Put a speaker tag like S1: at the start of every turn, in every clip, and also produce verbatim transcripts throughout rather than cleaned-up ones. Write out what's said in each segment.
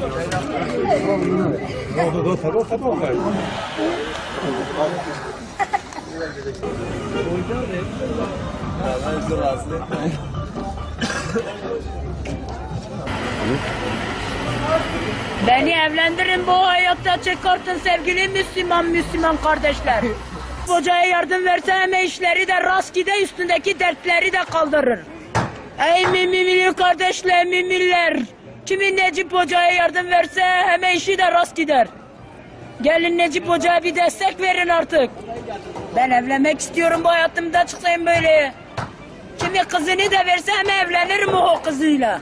S1: Beni evlendirin, bu hayatta çıkartın sevgili Müslüman Müslüman kardeşler. Hocaya yardım verse hem işleri de rast gider, üstündeki dertleri de kaldırır. Ey mümin kardeşler, müminler. Kimin Necip Hoca'ya yardım verse hem işi de rast gider. Gelin Necip Hoca'ya bir destek verin artık. Ben evlenmek istiyorum, bu hayatımda çıksayım böyle. Kimi kızını da verse hem evlenirim o kızıyla.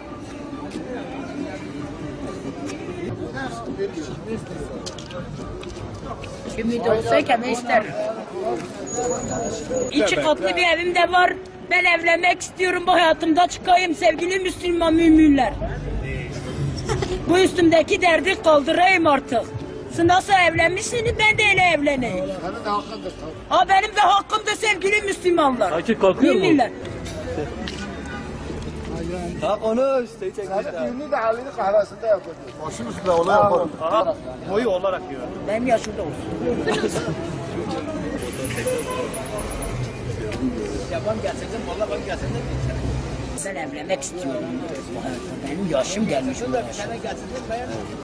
S1: Kimi de olsa kime isterim. İki katlı bir evim de var. Ben evlenmek istiyorum, bu hayatımda çıkayım sevgili Müslüman müminler. Bu üstümdeki derdi kaldırayım artık. Siz nasıl evlenmişsiniz, ben de öyle evleneyim.
S2: Senin de hakkındır.
S1: Ha, benim de hakkımdır sevgili Müslümanlar.
S3: Akif kalkıyor mu?
S1: Müminler.
S3: Ha konuş. Seni çekmişler.
S2: Senin düğünü de halini kahvesinde yapacağız. Başım üstüne olay yapalım.
S3: Aha. Boyu olarak diyor.
S1: Benim yaşımda olsun.
S3: Yaban gerçekten valla ben gerçekten.
S1: Ben evlenmek istiyorum. Benim yaşım gelmiş.